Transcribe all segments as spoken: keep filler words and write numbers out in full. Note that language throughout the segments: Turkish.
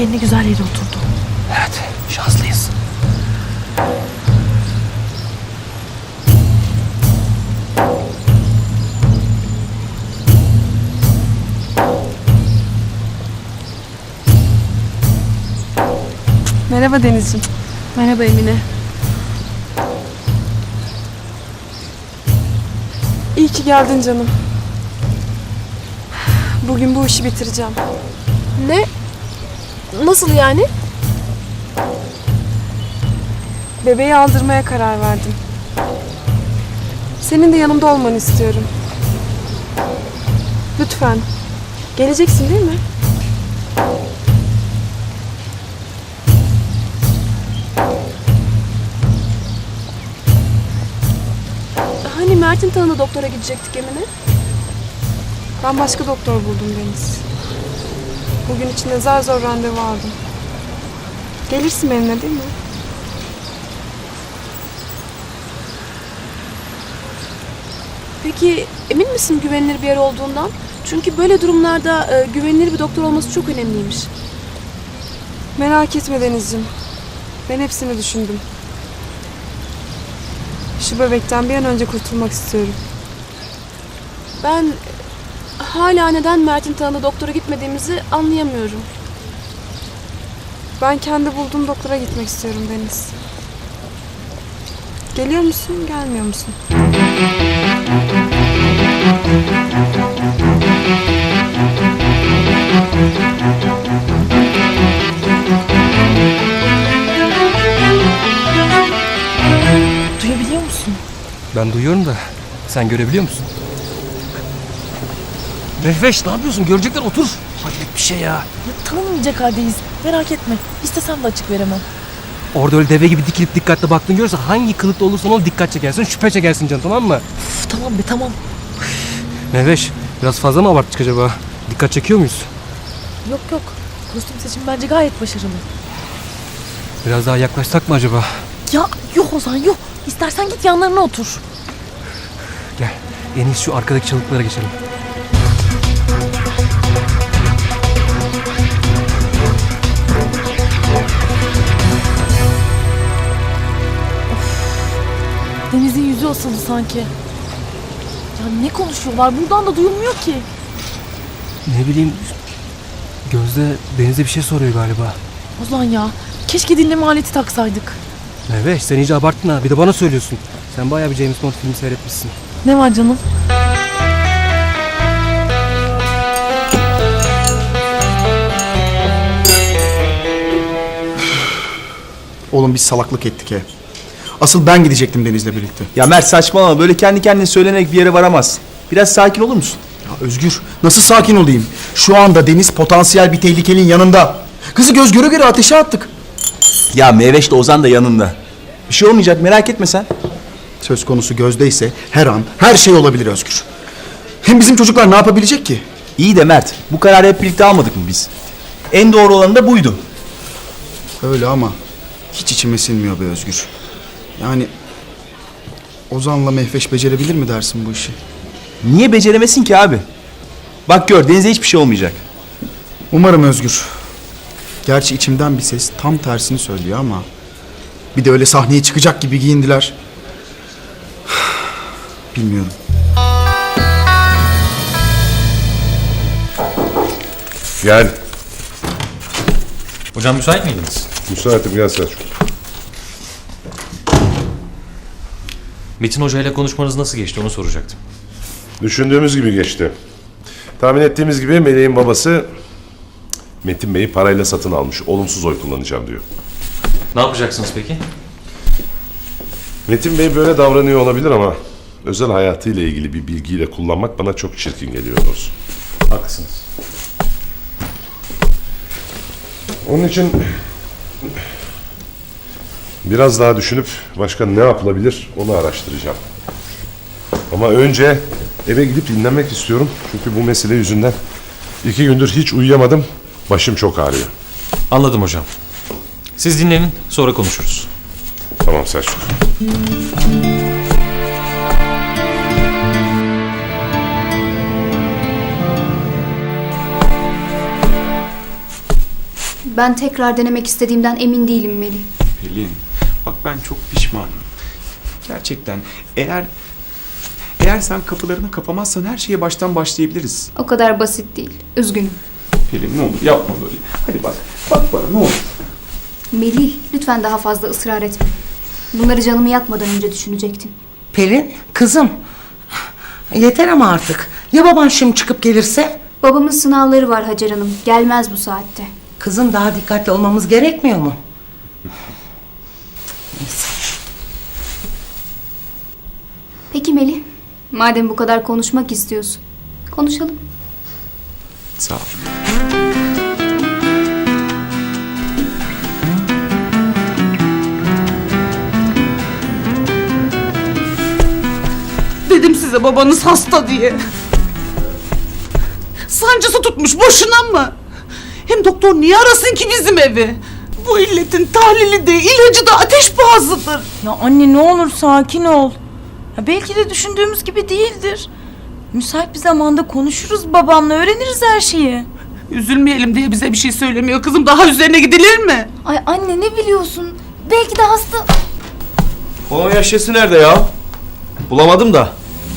Gelini güzel yere oturdu. Evet, şanslıyız. Merhaba Denizciğim. Merhaba Emine. İyi ki geldin canım. Bugün bu işi bitireceğim. Ne? Nasıl yani? Bebeği aldırmaya karar verdim. Senin de yanımda olmanı istiyorum. Lütfen. Geleceksin değil mi? Hani Mert'in tanıdığı doktora gidecektik Emine? Ben başka doktor buldum Deniz. Bugün için de zar zor randevu aldım. Gelirsin benimle değil mi? Peki emin misin güvenilir bir yer olduğundan? Çünkü böyle durumlarda e, güvenilir bir doktor olması çok önemliymiş. Merak etme Denizciğim. Ben hepsini düşündüm. Şu bebekten bir an önce kurtulmak istiyorum. Ben e, hala neden Mert'in tanıdığı doktora gitmediğimizi anlayamıyorum. Ben kendi bulduğum doktora gitmek istiyorum Deniz. Geliyor musun, gelmiyor musun? Duyabiliyor musun? Ben duyuyorum da sen görebiliyor musun? Mehveş ne yapıyorsun? Görecekler, otur. Hayret bir şey ya. Ya, tanınmayacak haldeyiz. Merak etme. İstesem de açık veremem. Orada öyle deve gibi dikilip dikkatli baktığını görürse hangi kılıkta olursan ol dikkat çekersin, şüphe çekersin canım, tamam mı? Uf, tamam be tamam. Mehveş biraz fazla mı abarttık acaba? Dikkat çekiyor muyuz? Yok yok. Kostüm seçimi bence gayet başarılı. Biraz daha yaklaşsak mı acaba? Ya yok Ozan yok. İstersen git yanlarına otur. Gel en iyisi şu arkadaki çalıklara geçelim. Deniz'in yüzü asıldı sanki. Ya ne konuşuyorlar? Buradan da duyulmuyor ki. Ne bileyim, Gözde Deniz'e bir şey soruyor galiba. Ozan ya. Keşke dinleme aleti taksaydık. Mehveş sen iyice abarttın ha, bir de bana söylüyorsun. Sen bayağı bir James Bond filmi seyretmişsin. Ne var canım? Oğlum biz salaklık ettik he. Asıl ben gidecektim Deniz'le birlikte. Ya Mert saçmalama, böyle kendi kendine söylenerek bir yere varamaz. Biraz sakin olur musun? Ya Özgür, nasıl sakin olayım? Şu anda Deniz potansiyel bir tehlikenin yanında. Kızı göz göre göre ateşe attık. Ya Meyveş de Ozan da yanında. Bir şey olmayacak, merak etme sen. Söz konusu Gözde ise her an her şey olabilir Özgür. Hem bizim çocuklar ne yapabilecek ki? İyi de Mert, bu kararı hep birlikte almadık mı biz? En doğru olanı da buydu. Öyle ama hiç içime sinmiyor be Özgür. Yani Ozan'la Mehveş becerebilir mi dersin bu işi? Niye beceremesin ki abi? Bak gör, Deniz'e hiçbir şey olmayacak. Umarım Özgür. Gerçi içimden bir ses tam tersini söylüyor ama... Bir de öyle sahneye çıkacak gibi giyindiler. Bilmiyorum. Gel. Hocam müsait miydiniz? Müsaitim, gel Selçuk. Metin Hoca ile konuşmanız nasıl geçti onu soracaktım. Düşündüğümüz gibi geçti. Tahmin ettiğimiz gibi Meleğin babası Metin Bey'i parayla satın almış. Olumsuz oy kullanacağım diyor. Ne yapacaksınız peki? Metin Bey böyle davranıyor olabilir ama özel hayatıyla ilgili bir bilgiyle kullanmak bana çok çirkin geliyor doğrusu. Haklısınız. Onun için biraz daha düşünüp başka ne yapılabilir onu araştıracağım. Ama önce eve gidip dinlenmek istiyorum. Çünkü bu mesele yüzünden iki gündür hiç uyuyamadım. Başım çok ağrıyor. Anladım hocam. Siz dinlenin, sonra konuşuruz. Tamam Selçuk. Ben tekrar denemek istediğimden emin değilim Melih. Pelin, bak ben çok pişmanım. Gerçekten eğer eğer sen kapılarını kapamazsan her şeye baştan başlayabiliriz. O kadar basit değil. Üzgünüm. Pelin ne olur yapma böyle. Hadi bak, bak bana ne olur. Melih, lütfen daha fazla ısrar etme. Bunları canımı yakmadan önce düşünecektin. Pelin, kızım. Yeter ama artık. Ya baban şimdi çıkıp gelirse? Babamın sınavları var Hacer Hanım. Gelmez bu saatte. Kızım daha dikkatli olmamız gerekmiyor mu? Neyse. Peki Melih, madem bu kadar konuşmak istiyorsun, konuşalım. Sağ ol. Dedim size babanız hasta diye. Sancısı tutmuş boşuna mı? Hem doktor niye arasın ki bizim evi? Bu illetin tahlili de ilacı da ateş pahasıdır. Ya anne ne olur sakin ol. Ya belki de düşündüğümüz gibi değildir. Müsait bir zamanda konuşuruz babamla, öğreniriz her şeyi. Üzülmeyelim diye bize bir şey söylemiyor kızım. Daha üzerine gidilir mi? Ay anne ne biliyorsun? Belki de hasta... Kolonya şişesi nerede ya? Bulamadım da.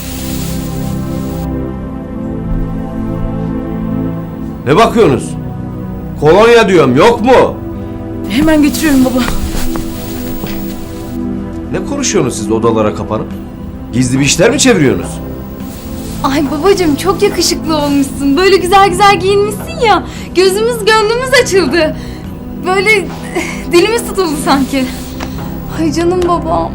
Ne bakıyorsunuz? Kolonya diyorum, yok mu? Hemen getiriyorum baba. Ne konuşuyorsunuz siz odalara kapanıp? Gizli bir işler mi çeviriyorsunuz? Ay babacığım çok yakışıklı olmuşsun. Böyle güzel güzel giyinmişsin ya. Gözümüz gönlümüz açıldı. Böyle dilimiz tutuldu sanki. Ay canım babam.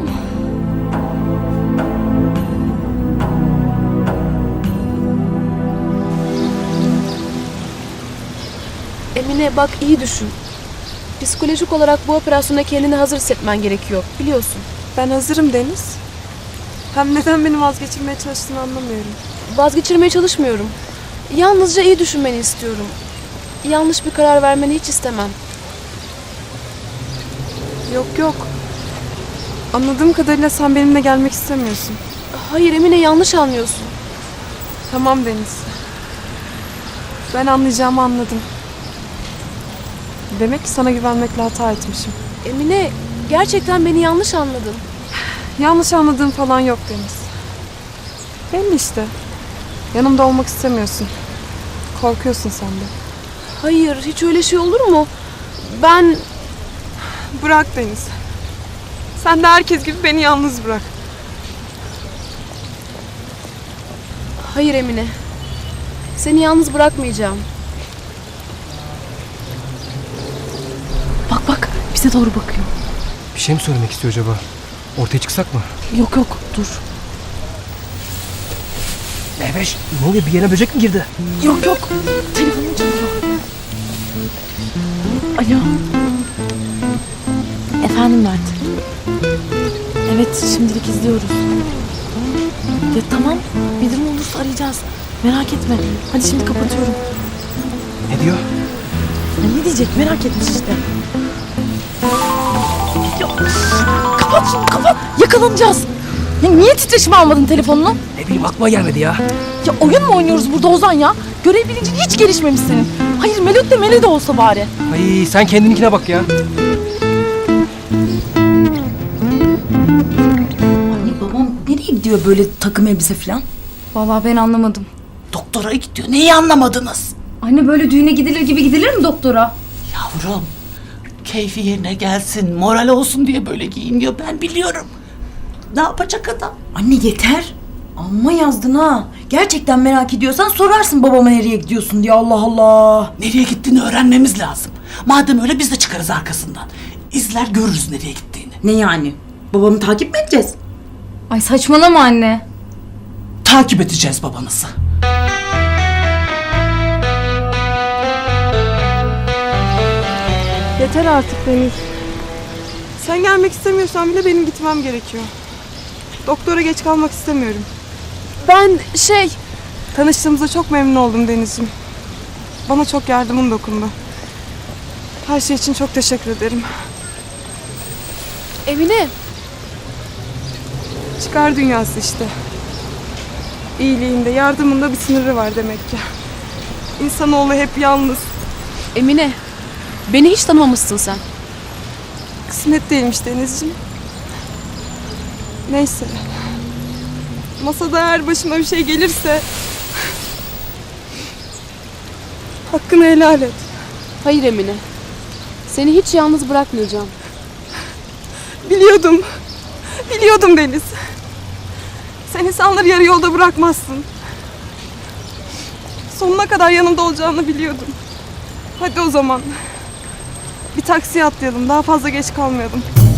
Emine bak iyi düşün. Psikolojik olarak bu operasyona kendini hazır hissetmen gerekiyor. Biliyorsun. Ben hazırım Deniz. Hem neden beni vazgeçirmeye çalıştığını anlamıyorum. Vazgeçirmeye çalışmıyorum. Yalnızca iyi düşünmeni istiyorum. Yanlış bir karar vermeni hiç istemem. Yok yok. Anladığım kadarıyla sen benimle gelmek istemiyorsun. Hayır Emine yanlış anlıyorsun. Tamam Deniz. Ben anlayacağımı anladım. Demek ki sana güvenmekle hata etmişim. Emine gerçekten beni yanlış anladın. Yanlış anladığım falan yok Deniz. Belli işte. Yanımda olmak istemiyorsun. Korkuyorsun sen de. Hayır hiç öyle şey olur mu? Ben... Bırak Deniz. Sen de herkes gibi beni yalnız bırak. Hayır Emine. Seni yalnız bırakmayacağım. Bak bak bize doğru bakıyor. Bir şey mi söylemek istiyor acaba? Ortaya çıksak mı? Yok yok dur. Mehveş ne oluyor, bir yerine böcek mi girdi? Yok yok. Telefonum çalıyor. Alo. Efendim Mert. Evet şimdilik izliyoruz. Ya tamam bir durum olursa arayacağız. Merak etme. Hadi şimdi kapatıyorum. Ne diyor? Ya ne diyecek merak etmiş işte. Ya, kapat şunu kapat. Yakalanacağız. Ya niye titreşim almadın telefonunu? Ne bileyim aklıma gelmedi ya. Ya oyun mu oynuyoruz burada Ozan ya? Görev bilincin hiç gelişmemiş senin. Hayır Melot de Mele de olsa bari. Ay sen kendininkine bak ya. Anne babam nereye gidiyor böyle takım elbise falan? Vallahi ben anlamadım. Doktora gidiyor. Neyi anlamadınız? Anne böyle düğüne gidilir gibi gidilir mi doktora? Yavrum, keyfi yerine gelsin, moral olsun diye böyle giyiniyor. Ben biliyorum. Ne yapacak adam? Anne yeter. Amma yazdın ha. Gerçekten merak ediyorsan sorarsın babama nereye gidiyorsun diye Allah Allah. Nereye gittiğini öğrenmemiz lazım. Madem öyle biz de çıkarız arkasından. İzler görürüz nereye gittiğini. Ne yani? Babamı takip mi edeceğiz? Ay saçmalama anne. Takip edeceğiz babanızı. Yeter artık Deniz. Sen gelmek istemiyorsan bile benim gitmem gerekiyor. Doktora geç kalmak istemiyorum. Ben şey... Tanıştığımıza çok memnun oldum Deniz'ciğim. Bana çok yardımın dokundu. Her şey için çok teşekkür ederim. Emine Çıkar dünyası işte. İyiliğinde, yardımında bir sınırı var demek ki. İnsanoğlu hep yalnız. Emine Beni hiç tanımamışsın sen. Kısmet değilmiş Denizciğim. Neyse. Masada eğer başıma bir şey gelirse... hakkını helal et. Hayır Emine. Seni hiç yalnız bırakmayacağım. Biliyordum. Biliyordum Deniz. Sen insanları yarı yolda bırakmazsın. Sonuna kadar yanımda olacağını biliyordum. Hadi o zaman. Bir taksiye atlayalım. Daha fazla geç kalmayalım.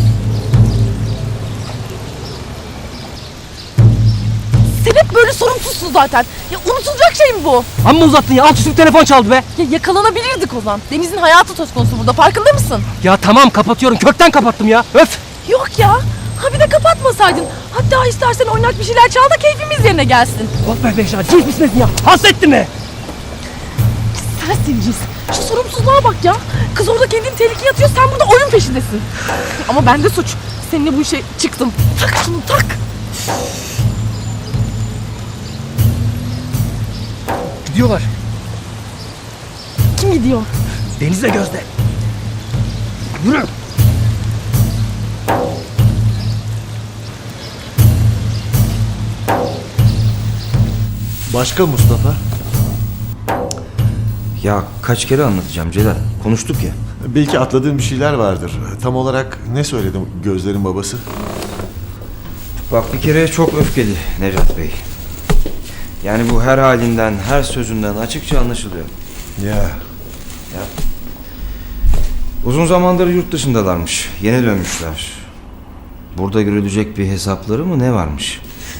Sen hep böyle sorumsuzsun zaten. Ya unutulacak şey mi bu? Amma uzattın ya. Alt üstü telefon çaldı be. Ya yakalanabilirdik o zaman. Deniz'in hayatı söz konusu burada. Farkında mısın? Ya tamam kapatıyorum. Kökten kapattım ya. Öf. Yok ya. Ha bir de kapatmasaydın. Hatta istersen oynak bir şeyler çal da keyfimiz yerine gelsin. Of be Beşa. Cins misin ya? Hasrettin mi? Sensin cins. Şu sorumsuzluğa bak ya. Kız orada kendini tehlikeye atıyor. Sen burada oyun peşindesin. Ama bende suç. Seninle bu işe çıktım. Tak şunu tak. Gidiyorlar. Kim gidiyor? Deniz'le Gözde. Yürü. Başka Mustafa? Ya kaç kere anlatacağım Celal? Konuştuk ya. Belki atladığım bir şeyler vardır. Tam olarak ne söyledim Gözler'in babası? Bak bir kere çok öfkeli Necat Bey. Yani bu her halinden, her sözünden açıkça anlaşılıyor. Ya. Ya. Uzun zamandır yurt dışındalarmış. Yeni dönmüşler. Burada görülecek bir hesapları mı ne varmış?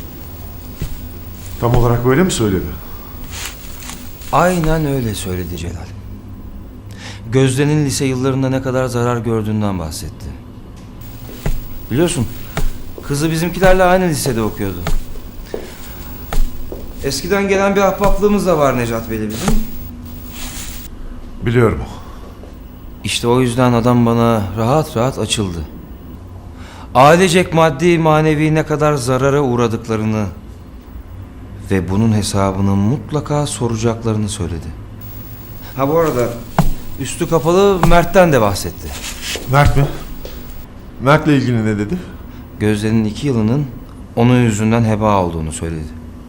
Tam olarak böyle mi söyledi? Aynen öyle söyledi Celal. Gözde'nin lise yıllarında ne kadar zarar gördüğünden bahsetti. Biliyorsun, kızı bizimkilerle aynı lisede okuyordu. Eskiden gelen bir ahbaplığımız da var Necat Bey'le bizim. Biliyorum. İşte o yüzden adam bana rahat rahat açıldı. Ailecek maddi manevi ne kadar zarara uğradıklarını ve bunun hesabını mutlaka soracaklarını söyledi. Ha bu arada üstü kapalı Mert'ten de bahsetti. Mert mi? Mert'le ilgili ne dedi? Gözde'nin iki yılının onun yüzünden heba olduğunu söyledi.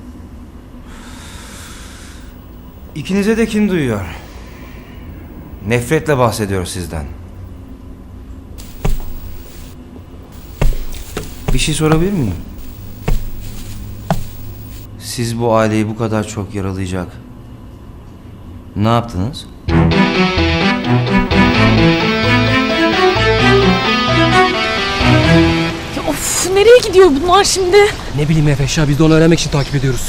İkinize de kin duyuyor. Nefretle bahsediyor sizden. Bir şey sorabilir miyim? Siz bu aileyi bu kadar çok yaralayacak ne yaptınız? Ya of nereye gidiyor bunlar şimdi? Ne bileyim Efeş ya. Biz de onu öğrenmek için takip ediyoruz.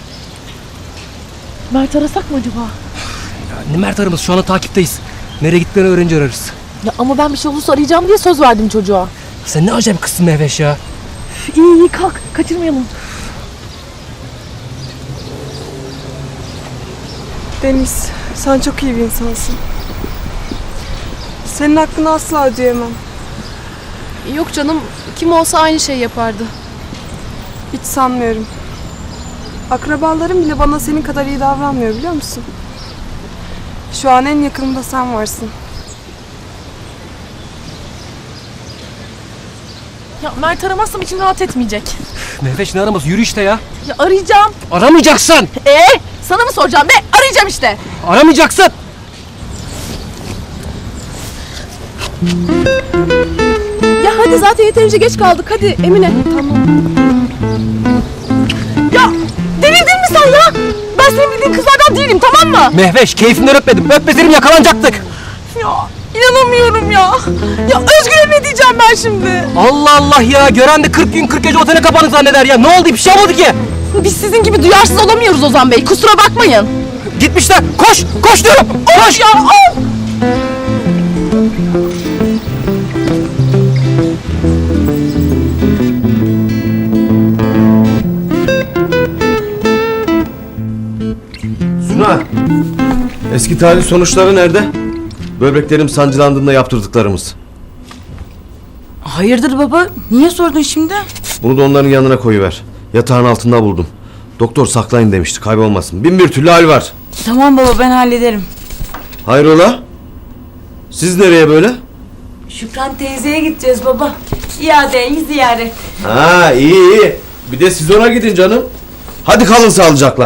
Mert arasak mı acaba? Ya, Mert aramız. Şu anda takipteyiz. Nereye gittiklerini öğrenince ararız. Ya ama ben bir şey olursa arayacağım diye söz verdim çocuğa. Sen ne acayip kızsın be Efeş ya. İyi iyi kalk kaçırmayalım. Deniz, sen çok iyi bir insansın. Senin hakkını asla ödeyemem. Yok canım. Kim olsa aynı şey yapardı. Hiç sanmıyorum. Akrabalarım bile bana senin kadar iyi davranmıyor biliyor musun? Şu an en yakınımda sen varsın. Ya Mert aramazsam içim rahat etmeyecek. Mehveş ne araması? Yürü işte ya. Ya arayacağım. Aramayacaksın. Ee, sana mı soracağım be? Arayacağım işte. Aramayacaksın. Ya hadi zaten yeterince geç kaldık. Hadi Emine. Tamam. Ya delirdin mi sen ya? Ben senin bildiğin kızlardan değilim tamam mı? Mehveş keyfinden öpmedim. Öpmeseydim yakalanacaktık. Ya inanamıyorum ya. Ya Özgür'e ne diyeceğim ben şimdi? Allah Allah ya. Gören de kırk gün kırk gece otele kapanı zanneder ya. Ne oldu? Bir şey olmadı ki. Biz sizin gibi duyarsız olamıyoruz Ozan Bey. Kusura bakmayın. Gitmişler. Koş. Koş diyorum. Koş. Ya al. Suna, eski tahlil sonuçları nerede? Böbreklerim sancılandığında yaptırdıklarımız. Hayırdır baba? Niye sordun şimdi? Bunu da onların yanına koyuver. Yatağın altında buldum. Doktor saklayın demişti, kaybolmasın. Bin bir türlü hal var. Tamam baba ben hallederim. Hayrola? Siz nereye böyle? Şükran teyzeye gideceğiz baba. İadeyi ziyaret. Ha iyi iyi. Bir de siz ona gidin canım. Hadi kalın sağlıcakla.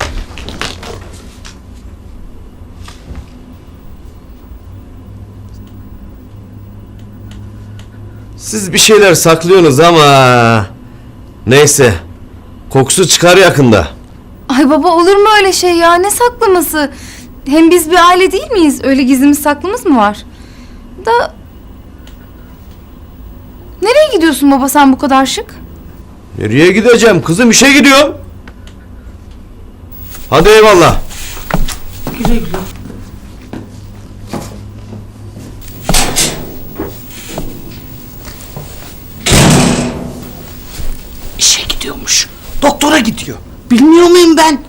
Siz bir şeyler saklıyorsunuz ama... Neyse. Kokusu çıkar yakında. Ay baba olur mu öyle şey ya? Ne saklaması? Hem biz bir aile değil miyiz? Öyle gizlimiz saklımız mı var? Da... Nereye gidiyorsun baba sen bu kadar şık? Nereye gideceğim? Kızım işe gidiyorum. Hadi eyvallah. Güle güle. İşe gidiyormuş. Doktora gidiyor. Bilmiyor muyum ben?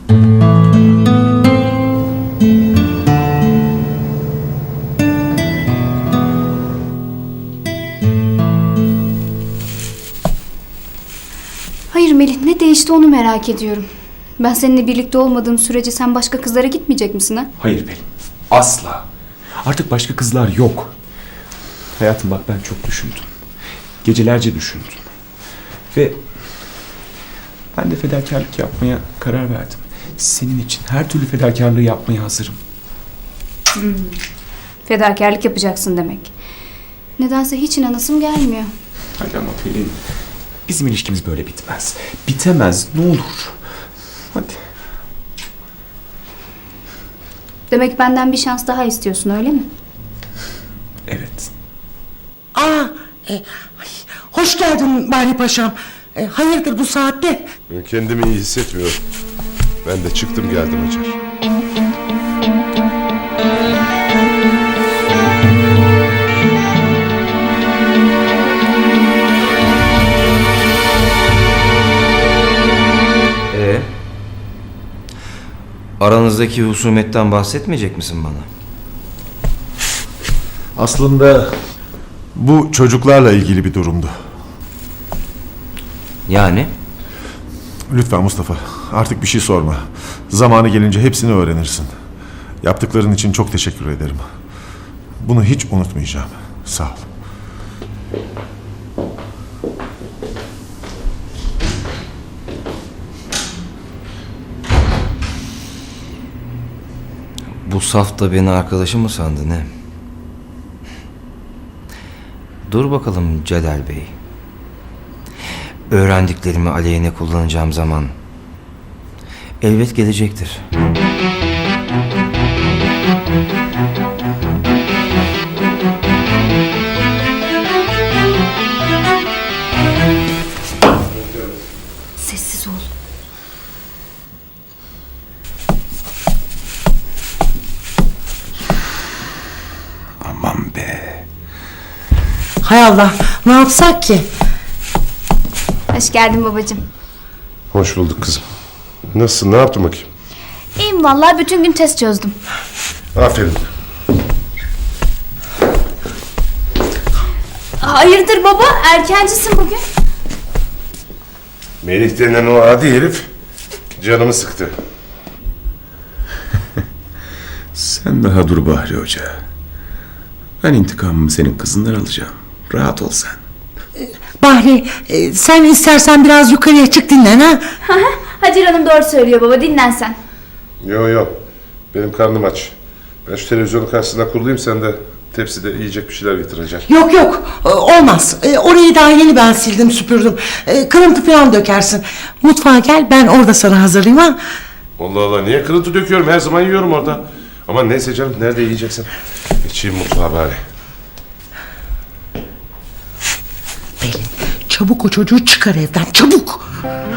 Hayır Melih, ne değişti onu merak ediyorum. Ben seninle birlikte olmadığım sürece sen başka kızlara gitmeyecek misin ha? Hayır Pelin. Asla. Artık başka kızlar yok. Hayatım bak ben çok düşündüm. Gecelerce düşündüm. Ve ben de fedakarlık yapmaya karar verdim. Senin için her türlü fedakarlığı yapmaya hazırım. Hmm. Fedakarlık yapacaksın demek. Nedense hiç inanasım gelmiyor. Hadi ama Pelin. Bizim ilişkimiz böyle bitmez. Bitemez ne olur. Hadi. Demek benden bir şans daha istiyorsun öyle mi? Evet. Aa, e, ay, hoş geldin Bari Paşam. E, hayırdır bu saatte? Ben kendimi iyi hissetmiyorum. Ben de çıktım geldim Hacer. Ee, aranızdaki husumetten bahsetmeyecek misin bana? Aslında bu çocuklarla ilgili bir durumdu. Yani? Lütfen Mustafa, artık bir şey sorma. Zamanı gelince hepsini öğrenirsin. Yaptıkların için çok teşekkür ederim. Bunu hiç unutmayacağım. Sağ ol. Bu saf da beni arkadaşı mı sandı ne? Dur bakalım Celal Bey. Öğrendiklerimi aleyhine kullanacağım zaman elbet gelecektir. Sessiz ol. Aman be. Hay Allah, ne yapsak ki? Hoş geldin babacığım. Hoş bulduk kızım. Nasılsın? Ne yaptın bakayım? İyiyim vallahi, bütün gün test çözdüm. Aferin. Hayırdır baba, erkencisin bugün. Melih denen o adi herif canımı sıktı. Sen daha dur Bahri Hoca. Ben intikamımı senin kızından alacağım. Rahat ol sen. Bahri, e, sen istersen biraz yukarıya çık dinlen ha. Hacer Hanım doğru söylüyor baba, dinlen sen. Yo yo. Benim karnım aç. Ben şu televizyonun karşısında kurulayım, sen de tepside yiyecek bir şeyler getireceksin. Yok yok, e, olmaz. E, orayı daha yeni ben sildim, süpürdüm. E, kırıntı falan dökersin. Mutfağa gel, ben orada sana hazırlayayım ha. Allah Allah, niye kırıntı döküyorum? Her zaman yiyorum orada. Ama neyse canım, nerede yiyeceksin? Geçeyim mutfağa bari. Pelin, çabuk o çocuğu çıkar evden, çabuk.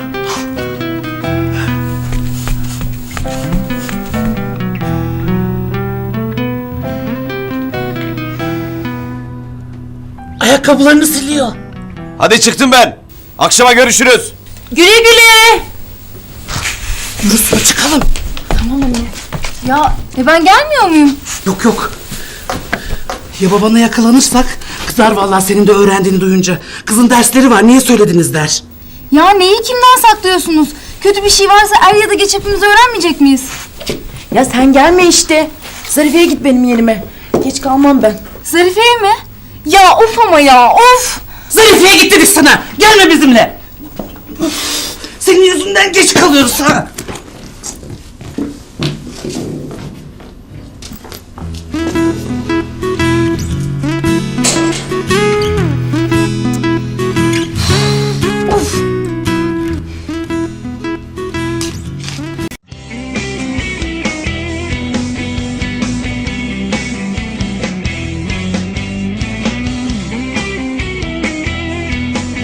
Ayakkabılarını siliyor. Hadi çıktım ben. Akşama görüşürüz. Güle güle. Yürüsün çıkalım. Tamam anne. Ya e ben gelmiyor muyum? Yok yok. Ya babana yakalanırsak kızar vallahi senin de öğrendiğini duyunca. Kızın dersleri var, niye söylediniz der. Ya neyi kimden saklıyorsunuz? Kötü bir şey varsa er ya da geç hepimiz öğrenmeyecek miyiz? Ya sen gelme işte. Zarife'ye git benim yerime. geç kalmam ben. Zarife'ye mi? Ya of ama ya of. Zarife'ye gittiniz sana. Gelme bizimle. Senin yüzünden geç kalıyoruz ha.